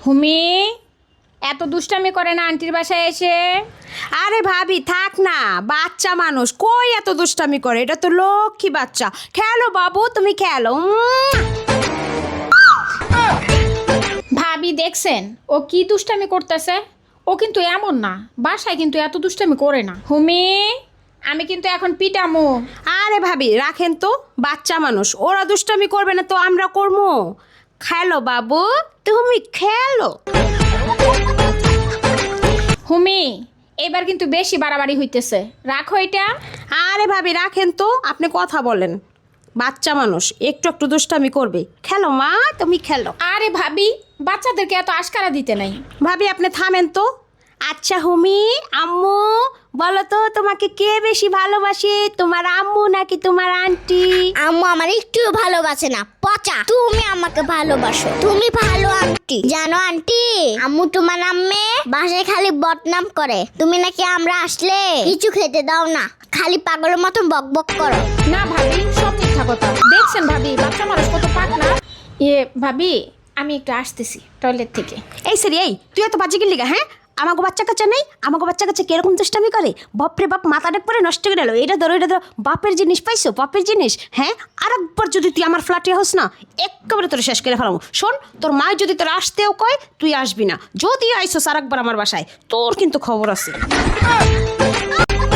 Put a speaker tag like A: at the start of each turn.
A: হুমি এত দুষ্টামি করে না আন্টির বাসায় এসে।
B: আরে ভাবি থাক না, বাচ্চা মানুষ কই এত দুষ্টামি করে, এটা তো লক্ষ্মী বাচ্চা। খেলো বাবু, তুমি খেলো।
A: ভাবি দেখছেন ও কি দুষ্টামি করতেছে? ও কিন্তু এমন না, বাসায় কিন্তু এত দুষ্টামি করে না। হুমি আমি কিন্তু এখন পিটামো।
B: আরে ভাবি রাখেন তো, বাচ্চা মানুষ, ওরা দুষ্টামি করবে না তো আমরা করবো? খেলো বাবু, তুমি খেলো।
A: হুমি এবার কিন্তু বেশি বাড়াবাড়ি হইতেছে, রাখো এটা।
B: আরে ভাবি রাখেন তো, আপনি কথা বলেন। বাচ্চা মানুষ একটু একটু দুষ্টামি করবে। খেলো মা, তুমি খেলো।
A: আরে ভাবি বাচ্চাদেরকে এত আশকারা দিতে নাই।
B: ভাবি আপনি থামেন তো। আচ্ছা হুমি, আম্মু বলো তো, তোমাকে কে বেশি ভালোবাসে, তোমার আম্মু নাকি তোমার আন্টি?
C: আম্মু আমার একটু ভালোবাসে না, পচা। তুমি আমাকে ভালোবাসো, তুমি ভালো আন্টি। জানো আন্টি, আম্মু তোমার আম্মে বাসায় খালি বদনাম করে, তুমি নাকি আমরা আসলে কিছু খেতে দাও না, খালি পাগলের মতন বক বক করো।
A: না ভাবি সব মিথ্যা কথা। দেখছেন ভাবি বাচ্চা মানুষ কত পাক না। ভাবি আমি একটু আসতেছি টয়লেট থেকে।
B: এই সেরি, এই তুই এত বাজে গেলি গা? হ্যাঁ, আমাকে বাচ্চা কাচ্চা নেই? আমাকে বাচ্চা কাচ্চা কিরকম দুষ্টামি করে, বাপরে বাপ, মাথা ডাক পরে নষ্ট করে গেল। এটা ধরো, এটা ধরো, বাপের জিনিস পাইছো, বাপের জিনিস। হ্যাঁ, আর একবার যদি তুই আমার ফ্ল্যাটে হোস না, একেবারে তোর শেষ করে ফেলাম। শোন, তোর মা যদি তোর আসতেও কয়, তুই আসবি না। যদি আইসোস আর একবার আমার বাসায়, তোর কিন্তু খবর আছে।